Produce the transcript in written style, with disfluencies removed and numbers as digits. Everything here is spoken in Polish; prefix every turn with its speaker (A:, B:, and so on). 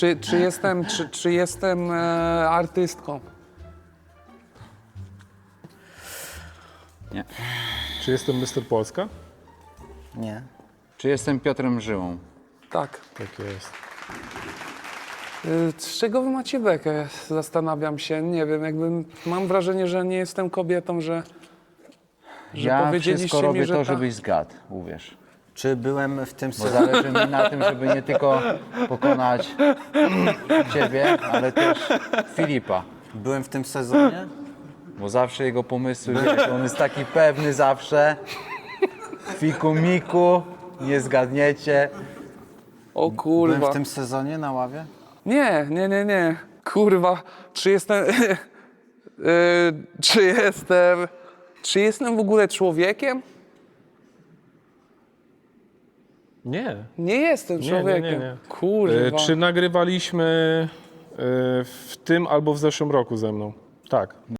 A: Czy jestem artystką?
B: Nie.
C: Czy jestem Mr. Polska?
D: Nie.
B: Czy jestem Piotrem Żyłą?
A: Tak.
C: Tak jest.
A: Z czego wy macie bekę? Zastanawiam się. Nie wiem, mam wrażenie, że nie jestem kobietą, że
B: Ja
A: powiedzieliście
B: wszystko robię
A: mi, że
B: to,
A: ta-
B: żebyś zgadł, uwierz.
D: Czy byłem w tym
B: Bo
D: sezonie?
B: zależy mi na tym, żeby nie tylko pokonać ciebie, ale też Filipa.
D: Byłem w tym sezonie?
B: Bo zawsze jego pomysły, wiesz, on jest taki pewny zawsze. Fiku miku, nie zgadniecie.
A: O
D: Byłem
A: kurwa.
D: w tym sezonie na ławie?
A: Nie. Kurwa. Czy jestem w ogóle człowiekiem?
C: Nie.
A: Nie jestem
C: Nie,
A: człowiekiem.
C: nie.
A: Kurwa.
C: Czy nagrywaliśmy w tym albo w zeszłym roku ze mną? Tak.